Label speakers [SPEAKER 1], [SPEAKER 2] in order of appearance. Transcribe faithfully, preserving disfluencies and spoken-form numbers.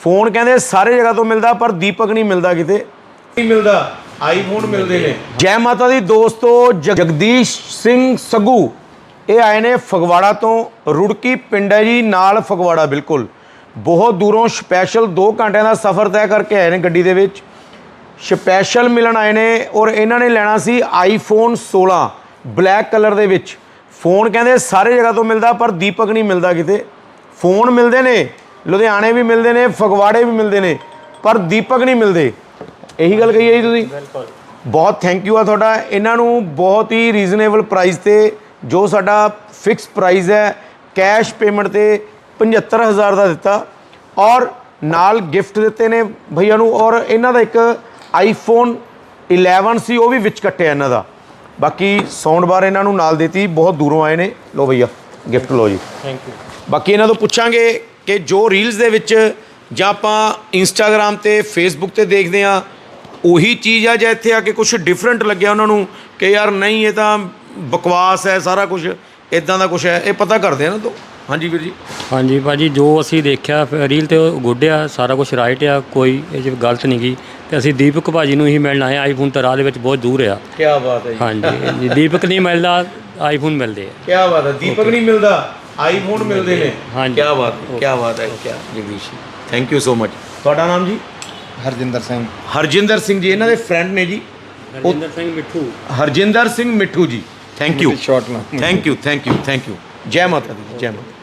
[SPEAKER 1] Phone कहते सारे जगह तो मिलता पर दीपक नहीं मिलता किते नहीं मिलता आईफोन मिलते हैं। जय माता दी दोस्तों, जगदीश सिंह सगू ये आए ने फगवाड़ा तो, रुड़की पिंड है जी नाल फगवाड़ा, बिल्कुल बहुत दूरों स्पैशल दो घंटे का सफ़र तय करके आए हैं गड्डी दे विच, स्पैशल मिलन आए ने। और इन्होंने लेना सी आईफोन सोलह ब्लैक कलर दे विच। फोन कहते सारे जगह तो मिलता पर दीपक नहीं मिलता किते। फोन मिलते हैं, लुधियाने भी मिलते हैं, फगवाड़े भी मिलते हैं, पर दीपक नहीं मिलते। यही गल कही है जी तुसीं। बहुत थैंक यू आ तुहाडा। इन्हों बहुत ही रीजनेबल प्राइस ते जो साडा फिक्स प्राइस है कैश पेमेंट ते पचहत्तर हज़ार का दिता और नाल गिफ्ट दिते ने भैया नूं। और इन्हां दा एक आईफोन इलेवन सी वो भी विच कट्टिया इन्हां दा। बाकी साउंड बार इन्हां नूं नाल देती, बहुत दूरों आए ने। लो भैया गिफ्ट लो जी, थैंक यू। बाकी इन्हां तों पुछांगे कि जो रील्स दे विच जां आपां इंस्टाग्राम ते फेसबुक ते देखदे आ ਉਹੀ चीज़ है, ਜਾਂ ਇੱਥੇ ਆ ਕੇ ਕੁਛ ਡਿਫਰੈਂਟ ਲੱਗਿਆ ਉਹਨਾਂ ਨੂੰ ਕਿ ਯਾਰ ਨਹੀਂ ਇਹ ਤਾਂ ਬਕਵਾਸ ਹੈ ਸਾਰਾ ਕੁਝ ਇਦਾਂ ਦਾ ਕੁਛ ਹੈ, ਇਹ ਪਤਾ ਕਰਦੇ ਆ ਨਾ। ਤੋਂ ਹਾਂਜੀ ਵੀਰ ਜੀ।
[SPEAKER 2] ਹਾਂਜੀ ਭਾਜੀ, ਜੋ ਅਸੀਂ ਦੇਖਿਆ ਰੀਲ ਤੇ ਉਹ ਗੁੱਡ ਆ, ਸਾਰਾ ਕੁਝ ਰਾਈਟ ਆ, ਕੋਈ ਇਹ 'ਚ ਗਲਤ ਨਹੀਂ ਗਈ। ਤੇ ਅਸੀਂ ਦੀਪਕ ਭਾਜੀ ਨੂੰ ਹੀ ਮਿਲਣਾ ਹੈ। ਆਈਫੋਨ ਤਾਂ ਰਾਹ ਦੇ ਵਿੱਚ ਬਹੁਤ ਦੂਰ ਆ।
[SPEAKER 1] ਕੀ ਬਾਤ ਹੈ ਜੀ।
[SPEAKER 2] ਹਾਂਜੀ, ਦੀਪਕ ਨਹੀਂ ਮਿਲਦਾ, ਆਈਫੋਨ ਮਿਲਦੇ ਆ।
[SPEAKER 1] ਕੀ ਬਾਤ ਹੈ, ਦੀਪਕ ਨਹੀਂ ਮਿਲਦਾ ਆਈਫੋਨ ਮਿਲਦੇ ਨੇ।
[SPEAKER 2] ਹਾਂਜੀ,
[SPEAKER 1] ਕੀ ਬਾਤ ਕੀ ਬਾਤ ਹੈ। ਕੀ ਜਗਦੀਸ਼ ਜੀ, ਥੈਂਕ ਯੂ ਸੋ ਮਚ। ਤੁਹਾਡਾ ਨਾਮ ਜੀ?
[SPEAKER 3] ਹਰਜਿੰਦਰ ਸਿੰਘ।
[SPEAKER 1] ਹਰਜਿੰਦਰ ਸਿੰਘ ਜੀ ਇਹਨਾਂ ਦੇ ਫਰੈਂਡ ਨੇ ਜੀ।
[SPEAKER 2] ਹਰਜਿੰਦਰ ਸਿੰਘ ਮਿੱਠੂ।
[SPEAKER 1] Harjinder Singh Mithu ji, thank you.
[SPEAKER 3] Short ਨਾਮ।
[SPEAKER 1] Thank you thank you thank you. ਜੈ ਮਾਤਾ ਦੀ, ਜੈ ਮਾਤਾ।